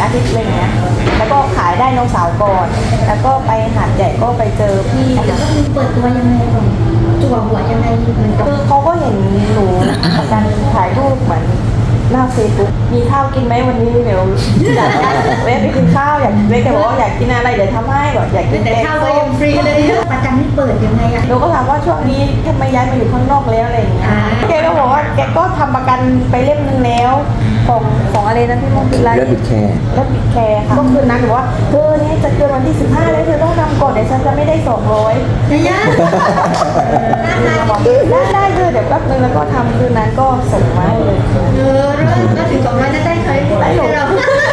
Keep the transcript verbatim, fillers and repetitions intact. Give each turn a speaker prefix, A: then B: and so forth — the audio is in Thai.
A: อาทิตย์อะไรเงี้ยแล้วก็ขายได้น้องสาวก่อนแล้วก็ไปหาดใหญ่ก็ไปเจอพี่
B: แล้วก็คือเปิดตัวยังไงก่อนจั่วหัวยังไงเหมือนกับ
A: คือเขาก็เห็นหนูการถ่ายรูปเหมือนหน้าเฟซบุ๊กมีข้าวกินไหมวันนี้เดี๋ยวอยากเว้ไปกินข้าวอยากเว้แกบอกว่าอยากกินอะไรเดี๋ยวทำให้แบบอยากกิน
B: แต่
A: แกง
B: ข้าวก็
A: ส้
B: ยั
A: ม
B: งฟรีเลยประจำนี่เปิดยังไงอะ
A: หนูก็ถามว่าช่วงนี้ทำไมย้ายมาอยู่ข้างนอกแล้วอะไรอย่างเงี้ย
B: อ่า
A: แกก็บอกว่าแกก็ทำประกันไปเล่มนึงแล้วของของอะไรนะพี่มงคลไร
C: เลือดบิดแคร์
A: แล้วปิดแคร์ค่ะก็คืนนั้นหนูว่าเธอเนี่ยจะเกินวันที่สิบห้าแล้วเธอต้องทำก่อนเดี๋ยวฉันจะไม่ได้สองร้อย
B: ยายา
A: บอกได้ได้เธอเดี๋ยวแป๊บนึงแล้วก็ทำคืนนั้นก็ส่งมาให้เลย
B: เออเริ่มก็ถึงสองร้อยจะได้เคยได้เรา